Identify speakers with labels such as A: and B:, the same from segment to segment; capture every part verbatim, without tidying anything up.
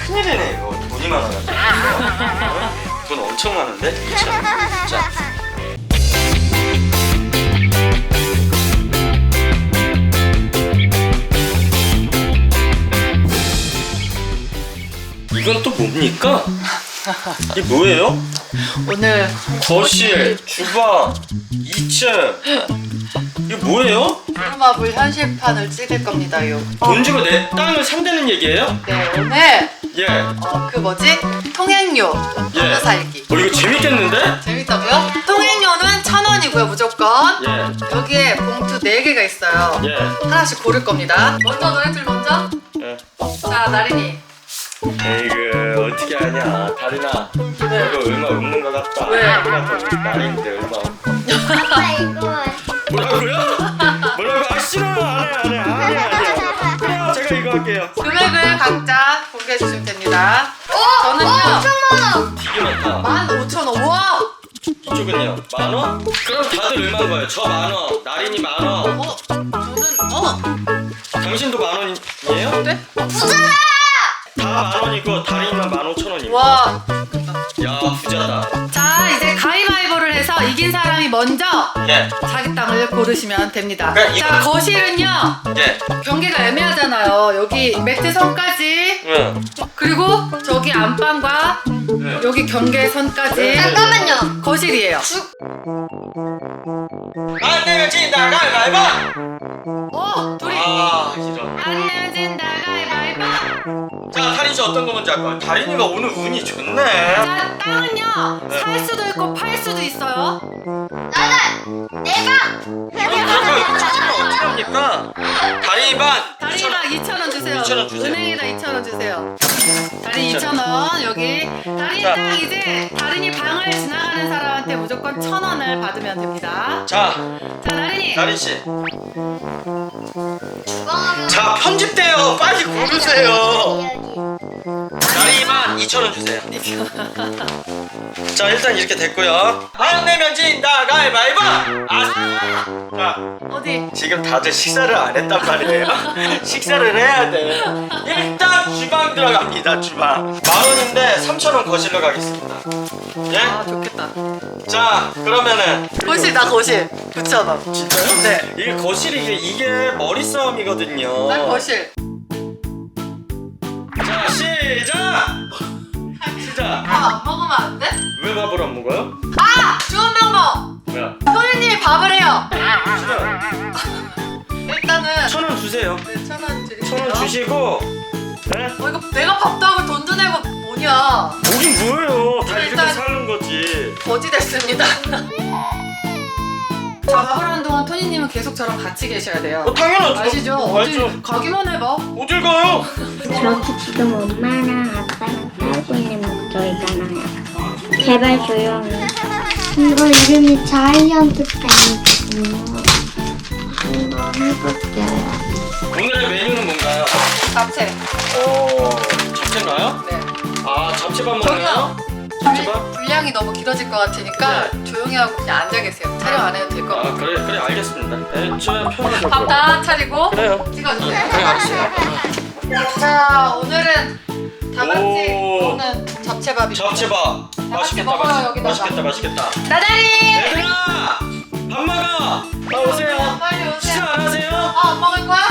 A: 큰일이네 이거. 돈이 많아가지고. 어? 돈 엄청 많은데? 그쵸? 자. 이건 또 뭡니까? 이게 뭐예요?
B: 오늘
A: 거실, 주방, 이 층. 이게 뭐예요?
B: 부루마블 현실판을 찍을 겁니다요.
A: 돈 주고 내 땅을 산다는 얘기예요?
B: 네, 오늘
A: 예.
B: 어, 그 뭐지? 통행료
A: 예.
B: 하나 살기.
A: 어 이거 재밌겠는데?
B: 재밌다고요? 통행료는 천 원이고요, 무조건.
A: 예.
B: 여기에 봉투 네 개가 있어요.
A: 예.
B: 하나씩 고를 겁니다. 먼저 너희들 먼저.
A: 예.
B: 자, 나린이.
A: 에이그 어떻게 하냐 다리나.
B: 네.
A: 이거 얼마 없는 것 같다.
B: 왜?
A: 날인데 얼마 없고.
C: 아빠 이거
A: 뭐라고요? 뭐라고? 아 싫어요. 안해 안해 안해 안해. 그래요 제가 이거 할게요.
B: 금액을 각자 공개해 주시면 됩니다. 저는요.
C: 오천만 원.
A: 되게 많다.
B: 만 오천 원. 우와!
A: 이쪽은요? 만 원? 그럼 다들 얼마인 거예요? 저 만 원, 나린이 만 원.
B: 어? 저는 어?
A: 당신도 만 원이에요?
B: 네?
C: 부자다.
A: 다 만 원이고 다린이만 만 오천 원이고.
B: 와.
A: 야 부자다.
B: 자, 이제 가위바위보를 해서 이긴 사람이 먼저
A: 예.
B: 자기 땅을 고르시면 됩니다.
A: 그래, 이거-
B: 자, 거실은요.
A: 예.
B: 경계가 애매하잖아요. 여기 매트 선까지,
A: 응.
B: 그리고 저기 안방과
A: 네.
B: 여기 경계선까지
C: 잠깐만요.
B: 거실이에요.
A: 안 내면 진다 가위바위보.
B: 어, 둘이
A: 아 이런.
B: 안 내면 진다 가위바위보.
A: 자 다린 씨 어떤 거 먼저 할 거야? 다린이가 오늘 운이 좋네.
B: 자, 땅은요. 살 수도 있고 팔 수도 있어요.
C: 나는 내가.
A: 아니 그거 이거 찾으면 어떻게 합니까? 다린이 반.
B: 다리랑 이천 원 주세요.
A: 이천 원 주세요.
B: 은행에다 이천 원 주세요. 다리 이천 원 여기. 다리
A: 자.
B: 땅 이제 다린이 방을 지나가는 사람한테 무조건 천 원을 받으면 됩니다.
A: 자
B: 자, 다린이.
A: 다린 씨.
C: 주방하면.
A: 자 편집돼요. 빨리 고르세요. 다린이 반 이천 원 주세요. 자 일단 이렇게 됐고요. 안 내면 진다 가위바위보. 아. 자.
B: 어디?
A: 지금 다들 식사를 안 했단 말이에요. 식사를 해야 돼. 일단 주방 들어갑니다. 주방. 만 원인데 삼천 원 거실로 가겠습니다.
B: 아,
A: 예?
B: 좋겠다.
A: 자 그러면은
B: 거실 나 거실 구천 원.
A: 진짜요?
B: 네.
A: 이게 거실이 이게, 이게 머리 싸움이거든요.
B: 난 거실.
A: 자 시작. 시작.
B: 밥 안 먹으면 안 돼?
A: 왜 밥을 안 먹어요?
B: 아! 좋은 방법!
A: 뭐야?
B: 소리님이 밥을 해요!
A: 싫어요.
B: 일단은
A: 천 원 주세요.
B: 네, 천 원 드릴게요.
A: 천 원 주시고. 네?
B: 어, 이거 내가 밥도 하고 돈도 내고 뭐냐.
A: 뭐긴 뭐예요? 다 이렇게
B: 일단-
A: 사는 거지.
B: 거지 됐습니다. 자, 밥을 하는 동안 토니님은 계속 저랑 같이 계셔야 돼요.
A: 어 당연하죠.
B: 아시죠?
A: 알죠.
B: 어디 가기만 해봐.
A: 어딜 가요?
C: 저렇게 지금 엄마랑 아빠랑 살고 있는 목소리잖아요. 제발 조용히. 이거 이름이 자이언트 팬이거든요. 한번 해볼게요.
A: 오늘의 메뉴는 뭔가요?
B: 잡채.
A: 오, 잡채인가요?
B: 네.
A: 아, 잡채밥
B: 저기요.
A: 먹나요?
B: 분-
A: 잡채밥?
B: 분량이 너무 길어질 것 같으니까 조용히 하고 그냥 앉아 계세요. 촬영 안 해도 될 것
A: 아,
B: 같아요.
A: 그래, 그래, 알겠습니다. 네, 저 편하게.
B: 밥 다 차리고
A: 그래요.
B: 찍어주세요.
A: 그래, 알았어요.
B: 자, 오늘은 다 같이
A: 오.
B: 먹는 잡채밥입니다.
A: 잡채밥. 맛있겠다,
B: 먹어요,
A: 맛있,
B: 여기다가.
A: 맛있겠다, 맛있겠다.
B: 나다리!
A: 얘들아! 밥 먹어! 아, 오세요.
B: 빨리 오세요.
A: 식사 안 하세요?
B: 아, 안 먹을 거야?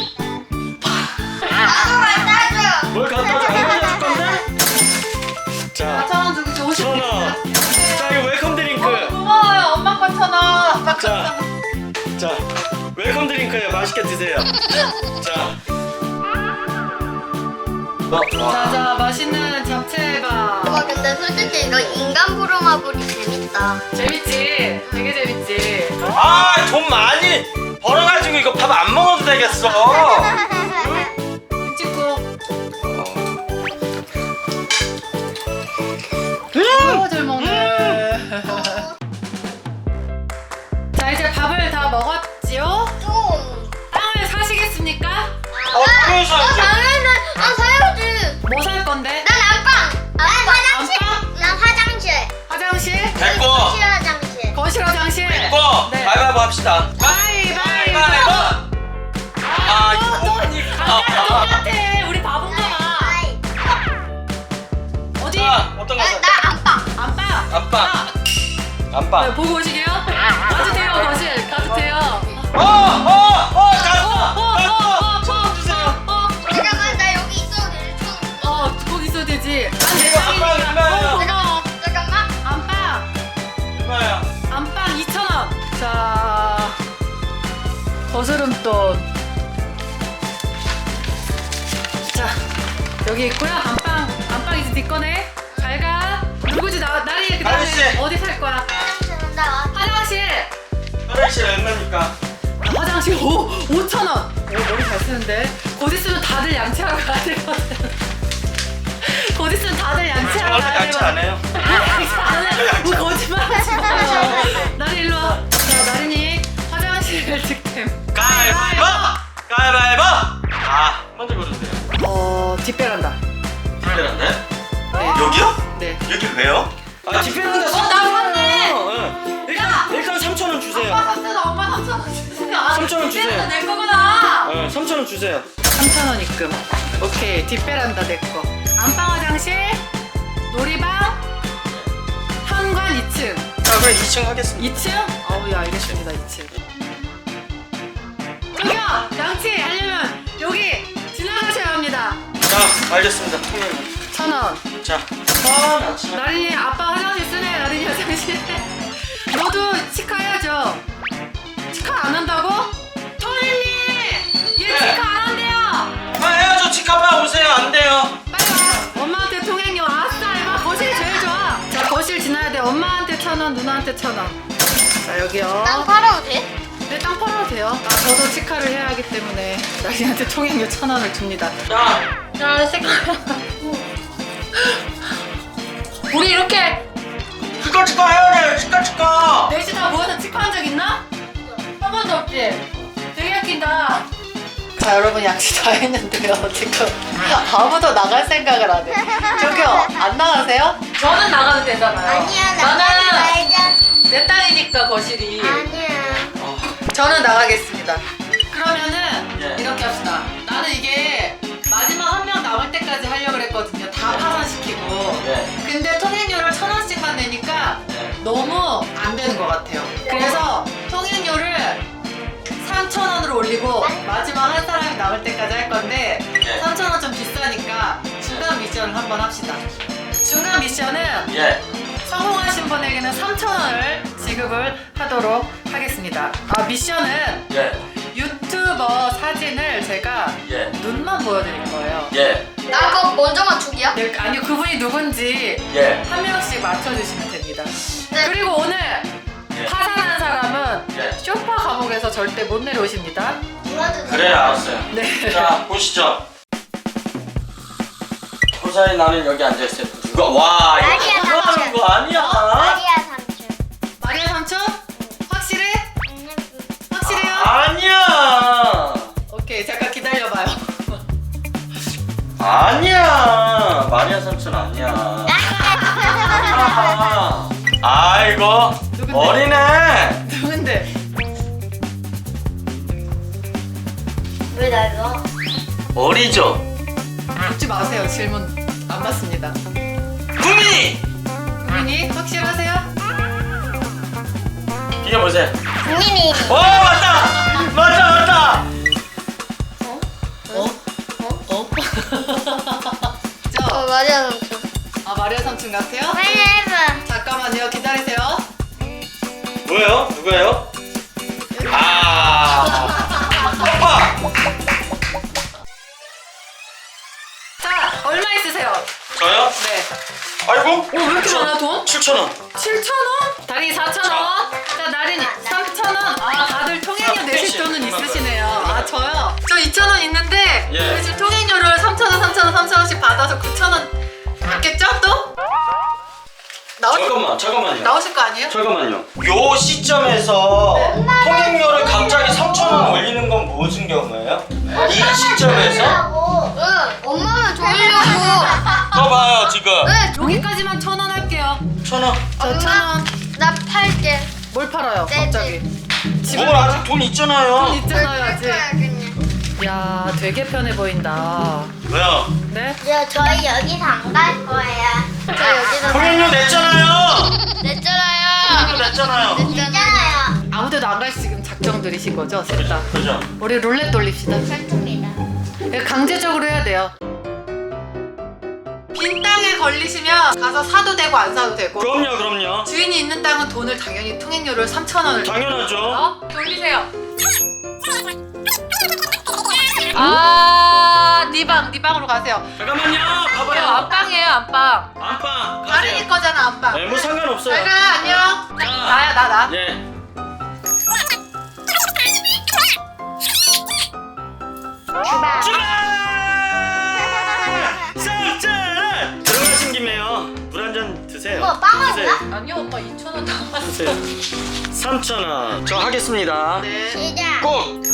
A: 뭘 갖다 줘? 안 가져줄 건데? 자,
B: 천 원 주기 좋으신
A: 천
B: 분
A: 원. 자, 이거 웰컴 드링크.
B: 어, 고마워요. 엄마 거 천 원. 아빠 거 천
A: 자.
B: 원.
A: 자, 웰컴 드링크예요. 맛있게 드세요. 자. 어,
B: 자, 자, 맛있는 잡채밥.
C: 와 근데 솔직히 이거 인간 부루마블이 재밌다.
B: 재밌지? 되게 재밌지?
A: 아, 돈 많이 벌어가지고 이거 밥 안 먹어도 되겠어.
B: 찍고. 오, 잘 먹네. 자, 이제 밥을 다 먹었지요?
C: 좀.
B: 땅을 사시겠습니까?
A: 어, 그래서 이제
C: 당연히 아 사야지.
B: 뭐 살 건데?
C: 난 안방. 난 화장실.
B: 안방?
C: 난 화장실.
B: 화장실?
A: 됐고,
C: 거실 화장실.
B: 거실 화장실?
A: 됐고,
B: 네.
A: 가위바위보 합시다.
B: 가위바위보!
A: 가위바위보. 아,
B: 너, 너
A: 이거
B: 각각 똑같아. 우리 바본가 봐.
C: 아이.
A: 안방.
B: 네,
A: 안방.
B: 보고 오시게요? 가도 돼요, 거실. 가도 돼요.
A: 어! 어! 어! 갔어!
B: 어, 어,
A: 갔어! 천
B: 어,
A: 원 주세요.
B: 어, 어,
C: 잠깐만 나 여기 있어도 돼. 총.
B: 어, 거기 있어도 되지. 난 내
A: 이거 안방
B: 방이니까.
A: 얼마예요?
B: 어, 고마워.
C: 잠깐만.
B: 안방.
A: 얼마야?
B: 안방 이천 원. 자, 거스름돈. 자, 여기 있고요. 안방, 안방 이제 네 거네. 잘 가. 누구지? 나, 나리 그 다음에
A: 아저씨.
B: 어디 살 거야?
C: 나 왔.
B: 화장실.
A: 화장실 얼마입니까?
B: 화장실 오, 오천 원. 오, 머리 잘 쓰는데. 곧 있으면 다들 양치하러 가야 되거든. 곧 있으면 다들 양치하러
A: 저는
B: 가야
A: 양치
B: 되거든.
A: 안 해요.
B: 안 해. 뭐 거짓말 하지 마요. 나리 일로 와. 자, 나린이 화장실 득템.
A: 가위바위보! 가위바위보! 아, 먼저 고르세요.
B: 어, 뒷배란다.
A: 특별한데?
B: 네.
A: 여기요?
B: 네.
A: 여기 왜요? 아, 뒷배란다.
B: 어, 나 샀네.
A: 응. 일단, 일단 삼천 원 주세요.
B: 아빠 샀어. 엄마 삼천 원 주세요. 아,
A: 삼천 원 주세요.
B: 뒷배란다 내 거구나.
A: 응, 삼천 원 주세요.
B: 삼천 원 입금. 오케이. 뒷배란다 내 거. 안방 화장실, 놀이방, 현관 이 층.
A: 자, 그럼 이 층 하겠습니다.
B: 이 층? 어우, 예, 알겠습니다. 이 층. 저기요! 양치 하려면 여기 지나가셔야 합니다.
A: 자, 알겠습니다. 통일만.
B: 천 원.
A: 자, 천 원. 자.
B: 나린이 아빠 화장실 쓰네. 나린이 화장실. 너도 치카해야죠. 치카 안 한다고? 토니님! 얘
A: 네.
B: 치카 안 한대요.
A: 아, 해야죠. 치카파 오세요. 안 돼요.
B: 빨리 와. 엄마한테 통행료. 아싸, 이거 거실이 제일 좋아. 자, 거실 지나야 돼. 엄마한테 천 원, 누나한테 천 원. 자, 여기요.
C: 땅 팔아도 돼?
B: 네, 땅 팔아도 돼요. 아, 저도 치카를 해야 하기 때문에 나린이한테 통행료 천 원을 줍니다.
A: 자,
B: 자, 색깔. 우리 이렇게
A: 치카 치카 해야 돼. 치카 치카.
B: 넷이 다 모여서 치카한 적 있나? 한 번도 없지? 되게 웃긴다. 자, 여러분 양치 다 했는데요. 지금 아무도 나갈 생각을 안 해. 저기요, 안 나가세요? 저는 나가도 되잖아요.
C: 아니야 나
B: 나는
C: 말자.
B: 내 땅이니까 거실이.
C: 아니야.
B: 저는 나가겠습니다. 그러면은
A: 예.
B: 이렇게 합시다. 나는 이게 마지막 한 명 남을 때까지 하려고 그랬거든요. 다
A: 예.
B: 파산시키고.
A: 예.
B: 근데 통행료를 천 원씩만 내니까
A: 예.
B: 너무 안 되는 것 같아요. 그래서 통행료를 삼천 원으로 올리고 마지막 한 사람이 남을 때까지 할 건데
A: 예.
B: 삼천 원 좀 비싸니까 중간 미션을 한번 합시다. 중간 미션은
A: 예.
B: 성공하신 분에게는 삼천 원을 지급을 하도록 하겠습니다. 아, 미션은
A: 예.
B: 유튜버 사진을 제가
A: 예.
B: 눈만 보여드릴 거예요.
A: 예.
C: 나 그거 먼저 맞추기야?
B: 네, 아니요, 그분이 누군지
A: 예.
B: 한 명씩 맞춰주시면 됩니다.
C: 네.
B: 그리고 오늘
A: 예.
B: 파산한 사람은
A: 예.
B: 쇼파 감옥에서 절대 못 내려오십니다.
A: 그래, 알았어요.
B: 네.
A: 자, 보시죠. 호사이 나는 여기 앉아있어요. 누가? 와, 이거
C: 아니야,
A: 그거 하는
C: 삼촌.
A: 거 아니야?
C: 마리아 삼촌.
B: 마리아 삼촌? 확실해? 확실해요?
A: 아니야.
B: 오케이, 잠깐 기다려봐요.
A: 아니야. 마리아 삼촌 아니야. 아, 아이고.
B: 누군데?
A: 어리네.
B: 누군데?
C: 왜 날로?
A: 어리죠?
B: 묻지 마세요. 질문 안 받습니다.
A: 구미!
B: 국민이 확실하세요?
A: 이게 보세요.
C: 국민이.
A: 오, 맞다! 맞다, 맞다!
B: 어? 어? 어?
C: 어
B: 저,
C: 마리아 삼촌.
B: 아, 마리아 삼촌 같아요?
C: 빨리 해봐.
B: 잠깐만요. 기다리세요.
A: 뭐예요? 누구예요? 아, 오빠!
B: 자, 얼마 있으세요?
A: 저요?
B: 네.
A: 아이고.
B: 오, 왜 이렇게 많아, 돈?
A: 칠천 원.
B: 칠천 원? 다리 사천 원? 자, 나린이 삼천 원? 아, 다들 통행료
A: 자,
B: 내실
A: 택시.
B: 돈은 있으시네요. 아, 저요? 저 이천 원 있는데
A: 예.
B: 저희 지금 통행료를 삼천 원, 삼천 원, 삼천 원씩 받아서 구천 원 받겠죠, 또? 나오,
A: 잠깐만, 잠깐만요.
B: 나오실 거 아니에요?
A: 잠깐만요. 요 시점에서 통행료를 갑자기 삼천 원 올리는 건 무슨 경우예요? 이 시점에서?
C: 응. 엄마만 졸려고.
A: 더 봐요, 지금.
C: 응.
B: 여기까지만 천 원 할게요.
A: 천 원.
B: 저 천 원.
C: 나 팔게.
B: 뭘 팔아요,
C: 네,
B: 갑자기? 집에
A: 뭘 아직 돈 있잖아요.
B: 돈 있잖아요, 아직.
C: 그냥.
B: 야, 되게 편해 보인다.
A: 왜요?
B: 네?
C: 저 저희 여기서 안 갈 거예요. 저 여기다
A: 통행료 냈잖아요.
C: 냈잖아요.
A: 냈잖아요.
C: 냈잖아요.
B: 아무데도 안 갈 지금 작정 들이신 거죠? 셋 다.
A: 그죠?
B: 우리 룰렛 돌립시다.
C: 설득이다.
B: 이거 강제적으로 해야 돼요. 빈 땅에 걸리시면 가서 사도 되고 안 사도 되고.
A: 그럼요, 그럼요.
B: 주인이 있는 땅은 돈을 당연히 통행료를 삼천 원을
A: 당연하죠.
B: 어? 돌리세요. 아, 네 방, 네 방으로 가세요.
A: 잠깐만요.
B: 이거
A: 봐봐요.
B: 안방이에요, 안방.
A: 안방
B: 다린이
A: 가세요.
B: 거잖아, 안방.
A: 네, 뭐 상관없어요.
B: 잘 가, 안녕. 나야, 나, 나.
A: 예.
C: 출발.
A: 출발! 쌀쌀! 들어가신 김에요. 물 한 잔 드세요.
C: 뭐, 빵을
A: 드세요.
B: 아니요, 오빠 이천 원 남았어.
A: 드세요. 삼천 원. 저 하겠습니다.
B: 네.
C: 시작.
A: 꼭!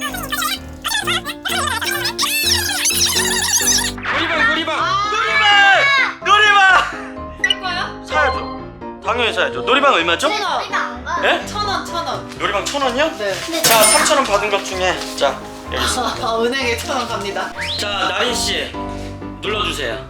A: 놀이방, 놀이방! 놀이방! 놀이방!
B: 살 거야?
A: 사야죠. 당연히 사야죠. 놀이방 얼마죠?
C: 왜 우리가 안 가?
A: 예?
B: 천 원, 천 원.
A: 놀이방 천 원이요?
B: 네.
A: 자, 삼천 원 받은 것 중에 자, 여기 있습니다.
B: 아, 은행에 천 원 갑니다.
A: 자, 나린 씨 눌러주세요.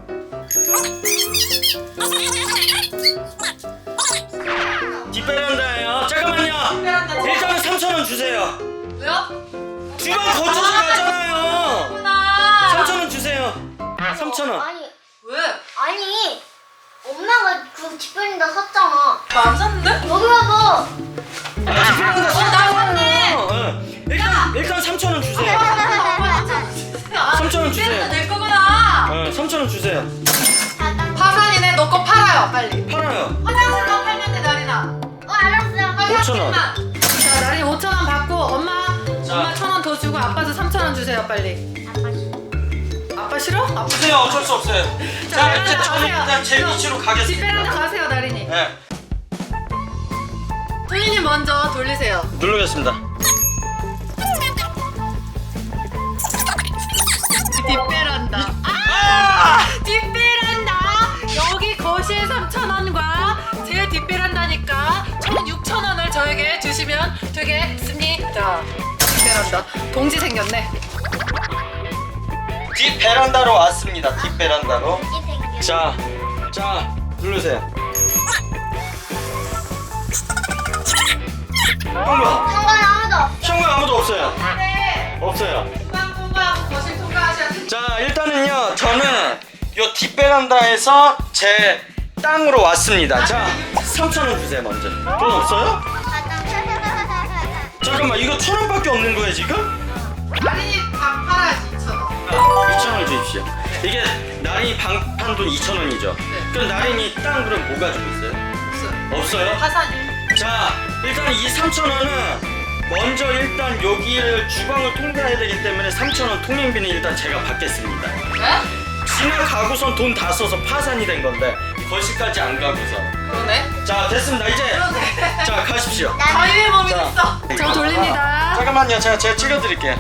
A: 뒷베란다예요. 잠깐만요.
B: 뒷베란다.
A: 일단은 삼천 원 주세요.
B: 왜요?
A: 주방 거쳐서 가잖아요.
B: 구나.
A: 삼천 원 주세요. 삼천 원.
C: 아니,
B: 왜?
C: 아니. 엄마가 그 뒷편에다 샀잖아.
B: 나안 샀는데?
C: 여기 봐봐.
A: 아, 뒷베란다
B: 어, 나 샀네.
A: 응. 일단 일단 삼천 원 주세요. 삼천 원 주세요.
B: 낼 거구나.
A: 어, 삼천 원 주세요.
B: 파산이네. 너 거 팔아요, 빨리.
A: 팔아요.
B: 화장실만 팔면 돼, 나린아.
C: 어, 알았어요.
A: 오천 원.
B: 자, 나린 오천 원 받고 엄마
A: 자.
B: 엄마 천 원 더 주고 아빠도 삼천 원 주세요, 빨리. 아빠 싫어? 아빠
A: 주세요. 어쩔 수 없어요. 자,
B: 자,
A: 이제 저는
B: 가세요.
A: 일단 제
B: 저
A: 위치로
B: 뒷베란다
A: 가겠습니다.
B: 가세요, 나린이.
A: 네,
B: 토니님 먼저 돌리세요.
A: 누르겠습니다.
B: 뒷베란다.
A: 아!
B: 뒷베란다. 여기 거실 삼천 원과 제 뒷베란다니까 총 육천 원을 저에게 주시면 되겠습니다. 뒷베란다. 동지 생겼네.
A: 뒷 베란다로 왔습니다. 뒷 베란다로.
C: 이 생겨.
A: 자, 자, 누르세요. 통과.
C: 상관 아무도 없어.
A: 현관 아무도 없어요.
B: 네.
A: 없어요.
B: 중간 통과하고 거실 통과하셔야 돼.
A: 자, 일단은요, 저는 요 뒷 베란다에서 제 땅으로 왔습니다. 자, 삼천 원 주세요 먼저. 돈 없어요? 잠깐만, 이거 천 원밖에 없는 거예요 지금?
B: 나린이 밥 팔아야지 이천 원.
A: 이천 원 주십시오. 이게 나린이 방판 돈 이천 원이죠.
B: 네.
A: 그럼 나린이 땅 그럼 뭐 가지고 있어요?
B: 없어요.
A: 없어요?
B: 파산이.
A: 자, 일단 이 삼천 원은 먼저 일단 여기를 주방을 통과해야 되기 때문에 삼천 원 통행비는 일단 제가 받겠습니다.
B: 네?
A: 지나가고선 돈 다 써서 파산이 된 건데 거기까지 안 가고서.
B: 그러네.
A: 자, 됐습니다. 이제
B: 그러네.
A: 자, 가십시오.
B: 자유의 몸이
A: 자.
B: 됐어. 저 돌립니다.
A: 잠깐만요. 제가 제가 찍어드릴게요.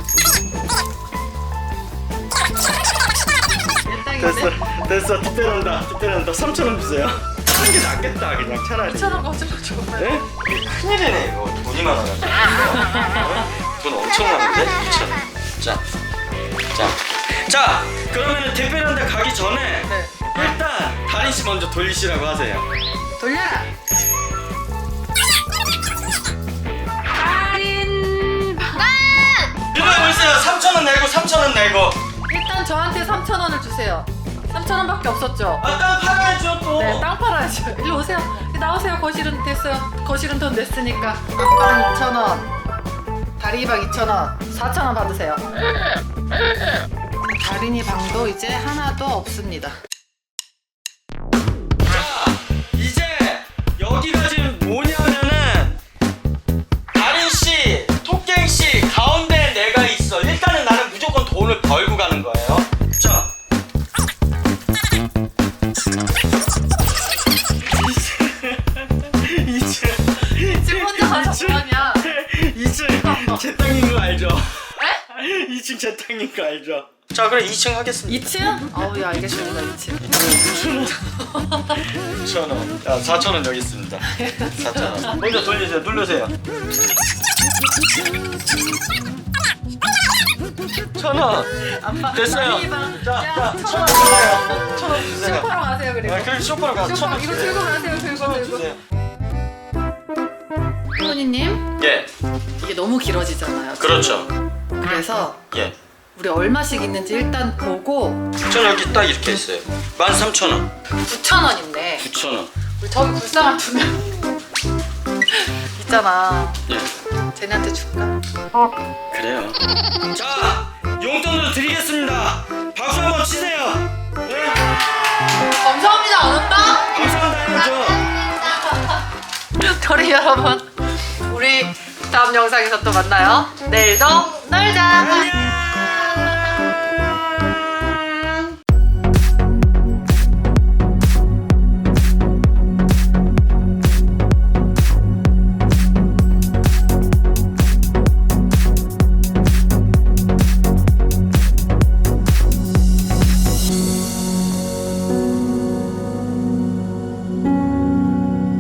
A: 됐어, 됐어. 뒷배란다, 뒷배란다. 삼천 원 주세요. 하는 게 낫겠다, 그냥 차라리.
B: 이천 원 거짓말 좀.
A: 네? 큰일이네 이거. 돈이 많아가지고. 어? 돈 엄청 많은데? 이천 원. 자, 자, 자. 그러면은 뒷배란다 가기 전에
B: 네.
A: 일단 다린 씨 먼저 돌리시라고 하세요.
B: 돌려라. 다린.
A: 이거 보세요. 삼천 원 내고 삼천 원 내고.
B: 일단 저한테 삼천 원을 주세요. 삼천 원밖에 없었죠?
A: 아, 땅 팔아야죠 또.
B: 네, 땅 팔아야죠. 일로 오세요. 나오세요. 거실은 됐어요. 거실은 돈 냈으니까. 앞방 이천 원. 다린이 방 이천 원. 사천 원 받으세요. 다린이 방도 이제 하나도 없습니다.
A: 자, 이제 여기가 지금 뭐냐면은 다린 씨, 토깽 씨 가운데 내가 있어. 일단은 나는 무조건 돈을 벌고 가는 거예요. 자, 이제
B: 지금 혼자 가서 뭐하냐?
A: 이층 제 땅인 거 알죠?
B: 에?
A: 이층 제 땅인 거 알죠? 자, 그럼 이층 하겠습니다.
B: 이 층? 어우, 야, 알겠습니다. 이 층.
A: 이천 원. 자, 사천 원 여기 있습니다. 사천 원. 먼저 돌리세요. 누르세요. 천 원.
B: 아빠,
A: 됐어요.
B: 다린이 방.
A: 자,
B: 야,
A: 자,
B: 천
A: 천
B: 원.
A: 원 주세요. 천 원 주세요.
B: 슈퍼로 가세요, 그리고.
A: 아, 그리고 빨리 쇼파로 가.
B: 쇼파 이거 들고 가세요. 들고 들고.
A: 주세요.
B: 할머니님
A: 예,
B: 이게 너무 길어지잖아요.
A: 그렇죠.
B: 그래서
A: 예.
B: 우리 얼마씩 있는지 일단 보고
A: 전 여기 딱 이렇게 있어요. 만 삼천 원.
B: 구천 원 있네.
A: 구천 원.
B: 우리 저기 불쌍한 두 명 있잖아.
A: 예.
B: 쟤네한테 줄까?
A: 그래요. 자, 용돈으로 드리겠습니다. 박수 한번 치세요. 네.
B: 감사합니다. 안 온다?
A: 감사합니다. 해야죠.
B: 토리 여러분, 우리 다음 영상에서 또 만나요. 내일도 놀자.
A: 안녕.